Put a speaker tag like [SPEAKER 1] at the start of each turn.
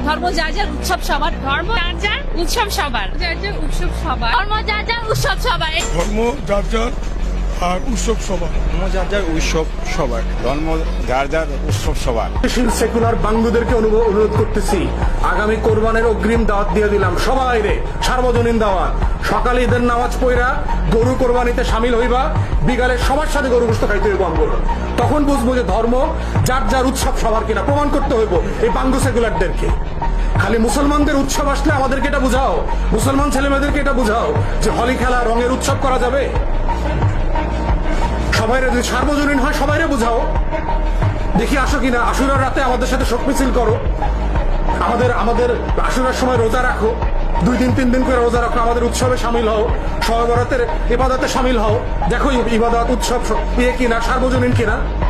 [SPEAKER 1] ধর্ম যার যার উৎসব সবার, ধর্ম যার যার উৎসব সবার, যার যার উৎসব সবার, ধর্ম যার যার উৎসব সবার,
[SPEAKER 2] ধর্ম যার যার আর উৎসব সবার।
[SPEAKER 3] ধর্ম যার যার উৎসব সবার, ধর্ম যার যার উৎসব সবার।
[SPEAKER 4] সেকুলার বাঙ্গুদেরকে অনুরোধ করতেছি, আগামী কোরবানের অগ্রিম দাওয়াত দিয়ে দিলাম সবাই রে, সার্বজনীন দাওয়াত। সকালে ঈদের নামাজ পড়া গরু কোরবানিতে সামিল হইবা, বিকালে সবার সাথে গরু গোশত খাইতে হইব আমগুলো। তখন বুঝবো যে ধর্ম যার যার উৎসব সবার কিনা, প্রমাণ করতে হইব এই বাঙ্গু সেকুলারদেরকে। খালি মুসলমানদের উৎসব আসলে আমাদেরকে এটা বুঝাও, মুসলমান ছেলেমেয়েদেরকে এটা বুঝাও যে হোলি খেলা রঙের উৎসব করা যাবে। সবাইরে যদি সার্বজনীন হয় সবাইরে বুঝাও, দেখি আসো কিনা। আশুরার রাতে আমাদের সাথে শোক মিছিল করো, আমাদের আশুরার সময় রোজা রাখো, 2 দিন 3 দিন করে রোজা রাখো, আমাদের উৎসবে সামিল হও, শবে বরাতের ইবাদতে সামিল হও। দেখো ইবাদত উৎসব কিনা, সার্বজনীন কিনা।